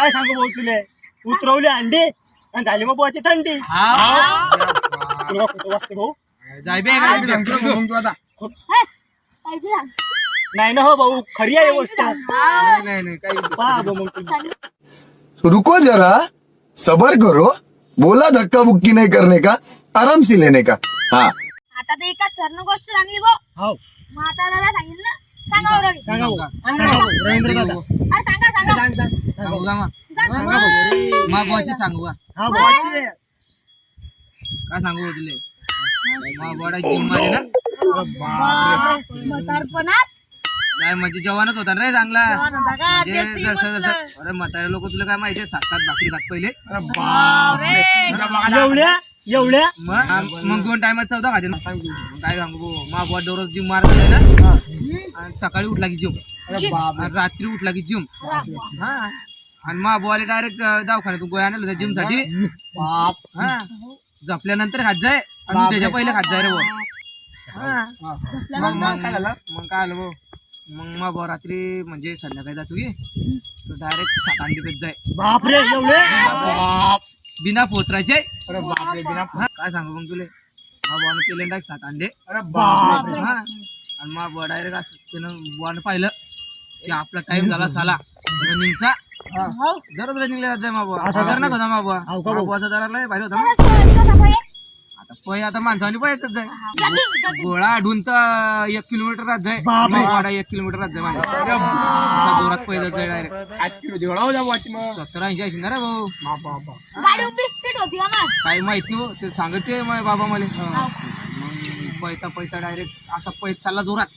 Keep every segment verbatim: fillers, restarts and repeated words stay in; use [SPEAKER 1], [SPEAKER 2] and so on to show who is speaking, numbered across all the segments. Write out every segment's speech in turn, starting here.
[SPEAKER 1] काय सांगू भाऊ तुले उतरवली अंडी आणि झाली मग बुवाची थंडी तुला खोटं वाटतं भाऊ
[SPEAKER 2] जाय बे काय सांगतो मग तू आता
[SPEAKER 1] नाही ना हो भाऊ खरी आहे गोष्ट
[SPEAKER 2] नाही नाही नाही काही
[SPEAKER 1] पहा भाऊ मग तुम्ही
[SPEAKER 3] रुको जरा सबर करो बोला धक्का बुक्की नहीं करने का आराम से लेने का हाँ
[SPEAKER 4] आता तर एका सरनं गोष्ट सांगली भाऊ
[SPEAKER 1] हो
[SPEAKER 4] मग आता दादा सांगितलं ना सांगा बरं रवी.
[SPEAKER 1] सांगा भाऊ सांगा भाऊ रवींद्र दादा
[SPEAKER 4] अरे सांगा सांगा
[SPEAKER 1] सांग सांग
[SPEAKER 2] सांगू का मग
[SPEAKER 4] सांग
[SPEAKER 1] सांगा भाऊ रे.
[SPEAKER 2] मा बुवाची सांगू का
[SPEAKER 1] हा भाऊ
[SPEAKER 2] काय सांगू हो तुले मा बुवाडा जिम मारे ना
[SPEAKER 4] बापरे, म्हातारपणात
[SPEAKER 2] काय म्हणजे जवानच होता ना रे चांगला
[SPEAKER 4] जवान होता का?
[SPEAKER 2] म्हणजे
[SPEAKER 4] तेच ती
[SPEAKER 2] जसं
[SPEAKER 4] म्हटलं.
[SPEAKER 2] जसं अरे म्हातारे लोक तुला काय माहितीये सात सात भाकरी खात पहिले
[SPEAKER 4] बापरे.
[SPEAKER 1] एवढ्या एवढ्या
[SPEAKER 2] मग मग दोन टायमात चौदा खाते ना मग काय सांगू भाऊ मा बुवा दररोज जिम मारत आहे ना आणि सकाळी उठला की जिम आणि रात्री उठला की जिम हा आणि मा बुवाला डायरेक्ट दवाखान्यातून गोळ्या आणलं होत्या जिम साठी
[SPEAKER 1] बाप
[SPEAKER 2] हा झोपल्यानंतर खात जाय आणि त्याच्या पहिले खात जाय रे भाऊ हा. मग मग काय झालं मग काय आलं भाऊ मग मग भाऊ रात्री म्हणजे संध्याकाळी जातो की तो डायरेक्ट सात अंडी पेत जाय
[SPEAKER 1] बापरे एवढे बाप
[SPEAKER 2] बिना पोत्राचे
[SPEAKER 1] अरे बापरे बिना
[SPEAKER 2] हा, काय सांगू मग तुले मा बुवानं केले डायरेक्ट सात अंडे
[SPEAKER 1] अरे बाप
[SPEAKER 2] हा आणि मा बुवा डायरेक्ट असं त्यानं बुवानं पाहिलं की आपला टाइम झाला साला रनिंगचा
[SPEAKER 4] हो.
[SPEAKER 2] दररोज रनिंगला जाय मा बुवा असा करणार होता मा बुवा
[SPEAKER 1] हो का
[SPEAKER 2] मा
[SPEAKER 1] भाऊ?
[SPEAKER 2] बुवाचा दराला भारी होता
[SPEAKER 4] मला सोडली का सफाई?
[SPEAKER 2] आता पै आता माणसाने पळतच जाय
[SPEAKER 4] जगी, जगी.
[SPEAKER 2] गोळा आढून तर एक किलोमीटर राहत जाय
[SPEAKER 1] बापरे.
[SPEAKER 2] वाडा एक किलोमीटर राहत जाय माझ्या असा जोरात पैदल जाय डायरेक्ट
[SPEAKER 1] आठ किलो जेवढा हो जा वाटी मग
[SPEAKER 2] सत्तर ऐंशी ऐंशी ना रे भाऊ
[SPEAKER 4] गाडी उभी स्पीड होती का मग
[SPEAKER 2] काही माहित नाही ते सांगत ते माझ्या बाबा मला मग पैता पैता डायरेक्ट असा पैत चालला जोरात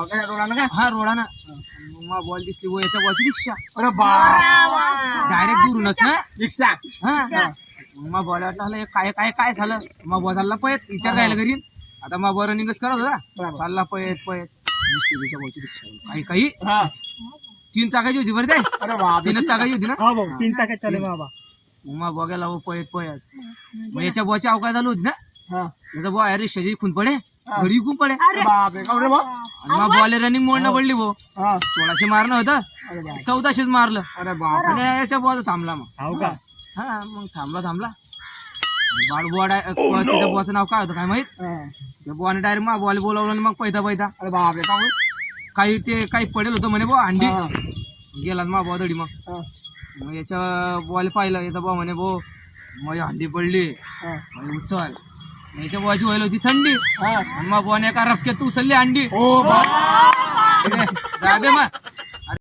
[SPEAKER 2] हा रोडाना मग मा बॉल दिसली वो याच्या बॉलची रिक्षा
[SPEAKER 1] अरे बाप
[SPEAKER 2] डायरेक्ट दुरूनच ना
[SPEAKER 1] रिक्षा
[SPEAKER 2] हा मग बॉल वाटलं हे काय काय काय झालं मग बॉल चालला पयत विचार करायला घरी आता मग बॉल रनिंगच करत होता चालला पयत पयत दिसली त्याच्या बॉलची रिक्षा काही काही
[SPEAKER 1] हा
[SPEAKER 2] तीन चाकाची होती बरं ते
[SPEAKER 1] अरे बाप
[SPEAKER 2] तीनच चाकाची होती ना
[SPEAKER 1] हा भाऊ तीन चाकात चालू बाबा
[SPEAKER 2] मग बघायला हो पयत पयत मग याच्या बॉची अवकाळ चालू होती ना
[SPEAKER 1] हा
[SPEAKER 2] याचा बॉ अरे शेजारी खून पडे घरी खून पडे
[SPEAKER 1] बाप रे कावरे बा
[SPEAKER 2] आणि मग बॉल रनिंग मोडणं पडली भाऊ
[SPEAKER 1] हा
[SPEAKER 2] सोळाशे मारणं होतं
[SPEAKER 1] अरे बाप
[SPEAKER 2] चौदाशेच मारलं
[SPEAKER 1] अरे बाप
[SPEAKER 2] आणि याच्या बॉल थांबला मग
[SPEAKER 1] हो का
[SPEAKER 2] हा मग थांबला थांबला बाळ बुवा डाय तिच्या बुवाचं नाव काय होतं काय माहित
[SPEAKER 1] हा.
[SPEAKER 2] त्या बुवाने डायरेक्ट मग बॉल बोलावलं आणि मग पैदा पैदा
[SPEAKER 1] अरे बाप रे कावरे
[SPEAKER 2] काही ते काही पडेल होतं म्हणे बुवा अंडी
[SPEAKER 1] हा.
[SPEAKER 2] गेला मग बुवा दडी मग
[SPEAKER 1] हा.
[SPEAKER 2] मग याच्या बॉल पाहिलं याचा बुवा म्हणे भाऊ मग अंडी पडली
[SPEAKER 1] हा.
[SPEAKER 2] मग उचल याच्या बुवाची व्हायला होती थंडी
[SPEAKER 1] हा.
[SPEAKER 2] आणि मग बुवाने एका रफक्यात उचलली अंडी
[SPEAKER 1] ओ बाप
[SPEAKER 2] जा बे मग